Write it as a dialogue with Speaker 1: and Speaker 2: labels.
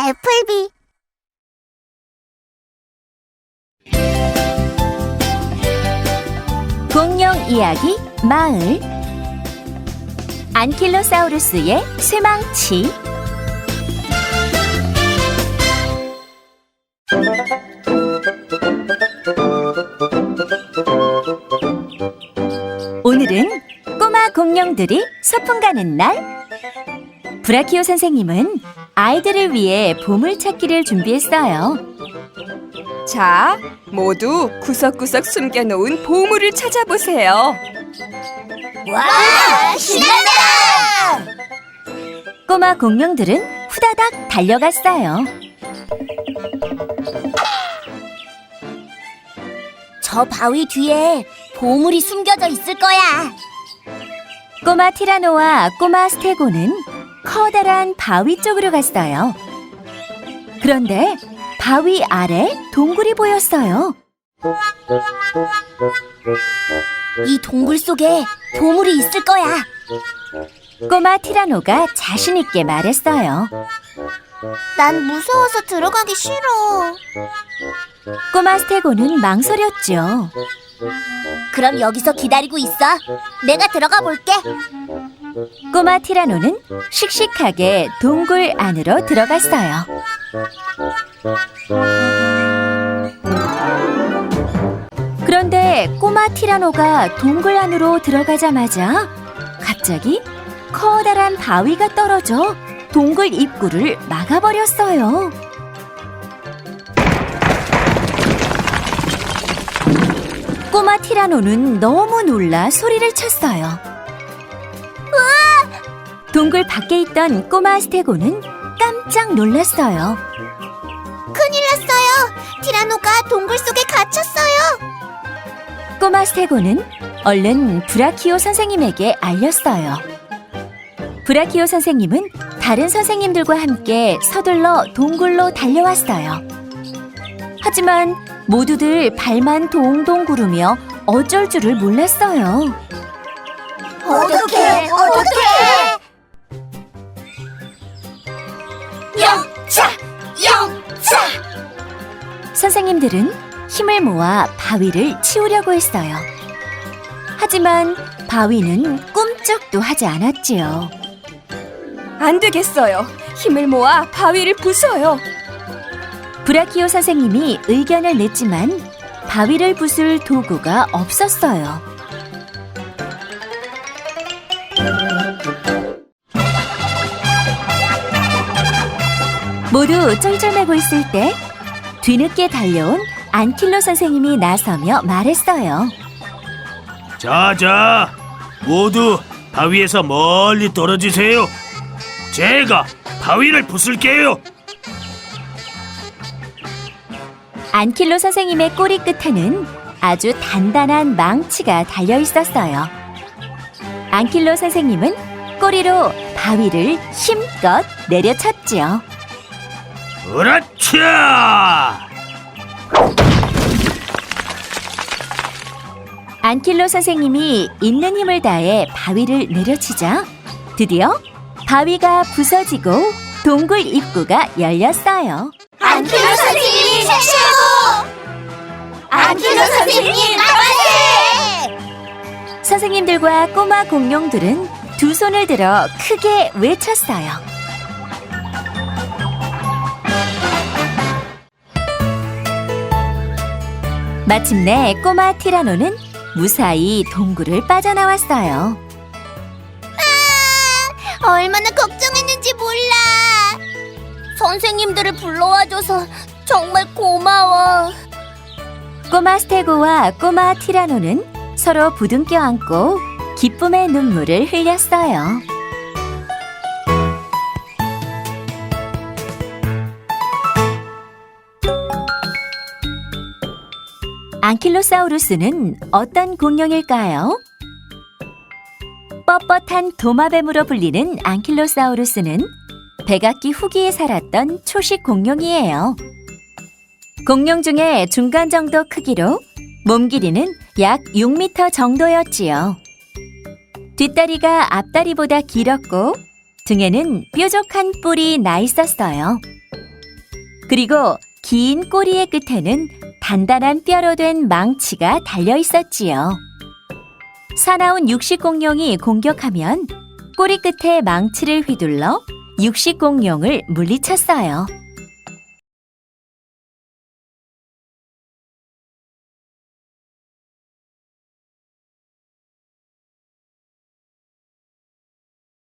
Speaker 1: 애플비.
Speaker 2: 공룡 이야기 마을. 안킬로사우루스의 쇠망치. 오늘은 꼬마 공룡들이 소풍 가는 날. 브라키오 선생님은 아이들을 위해 보물찾기를 준비했어요.
Speaker 3: 자, 모두 구석구석 숨겨놓은 보물을 찾아보세요.
Speaker 1: 와, 신난다!
Speaker 2: 꼬마 공룡들은 후다닥 달려갔어요.
Speaker 1: 저 바위 뒤에 보물이 숨겨져 있을 거야.
Speaker 2: 꼬마 티라노와 꼬마 스테고는 커다란 바위 쪽으로 갔어요. 그런데 바위 아래 동굴이 보였어요.
Speaker 1: 이 동굴 속에 보물이 있을 거야.
Speaker 2: 꼬마 티라노가 자신 있게 말했어요.
Speaker 1: 난 무서워서 들어가기 싫어.
Speaker 2: 꼬마 스테고는 망설였죠.
Speaker 1: 그럼 여기서 기다리고 있어. 내가 들어가 볼게.
Speaker 2: 꼬마 티라노는 씩씩하게 동굴 안으로 들어갔어요. 그런데 꼬마 티라노가 동굴 안으로 들어가자마자 갑자기 커다란 바위가 떨어져 동굴 입구를 막아버렸어요. 꼬마 티라노는 너무 놀라 소리를 쳤어요. 동굴 밖에 있던 꼬마 스테고는 깜짝 놀랐어요.
Speaker 1: 큰일 났어요. 티라노가 동굴 속에 갇혔어요.
Speaker 2: 꼬마 스테고는 얼른 브라키오 선생님에게 알렸어요. 브라키오 선생님은 다른 선생님들과 함께 서둘러 동굴로 달려왔어요. 하지만 모두들 발만 동동 구르며 어쩔 줄을 몰랐어요.
Speaker 1: 어떡해. 영차!
Speaker 2: 선생님들은 힘을 모아 바위를 치우려고 했어요. 하지만 바위는 꿈쩍도 하지 않았지요.
Speaker 3: 안 되겠어요. 힘을 모아 바위를 부숴요.
Speaker 2: 브라키오 선생님이 의견을 냈지만 바위를 부술 도구가 없었어요. 모두 쩔쩔매고 있을 때 뒤늦게 달려온 안킬로 선생님이 나서며 말했어요.
Speaker 4: 자자, 모두 바위에서 멀리 떨어지세요. 제가 바위를 부술게요.
Speaker 2: 안킬로 선생님의 꼬리 끝에는 아주 단단한 망치가 달려 있었어요. 안킬로 선생님은 꼬리로 바위를 힘껏 내려쳤지요.
Speaker 4: 으라차!
Speaker 2: 안킬로 선생님이 있는 힘을 다해 바위를 내려치자 드디어 바위가 부서지고 동굴 입구가 열렸어요.
Speaker 1: 안킬로 선생님 최고! 안킬로 선생님 만세!
Speaker 2: 선생님들과 꼬마 공룡들은 두 손을 들어 크게 외쳤어요. 마침내 꼬마 티라노는 무사히 동굴을 빠져나왔어요.
Speaker 1: 얼마나 걱정했는지 몰라. 선생님들을 불러와줘서 정말 고마워.
Speaker 2: 꼬마 스테고와 꼬마 티라노는 서로 부둥켜 안고 기쁨의 눈물을 흘렸어요. 안킬로사우루스는 어떤 공룡일까요? 뻣뻣한 도마뱀으로 불리는 안킬로사우루스는 백악기 후기에 살았던 초식 공룡이에요. 공룡 중에 중간 정도 크기로 몸 길이는 약 6m 정도였지요. 뒷다리가 앞다리보다 길었고 등에는 뾰족한 뿔이 나 있었어요. 그리고 긴 꼬리의 끝에는 단단한 뼈로 된 망치가 달려 있었지요. 사나운 육식공룡이 공격하면 꼬리 끝에 망치를 휘둘러 육식공룡을 물리쳤어요.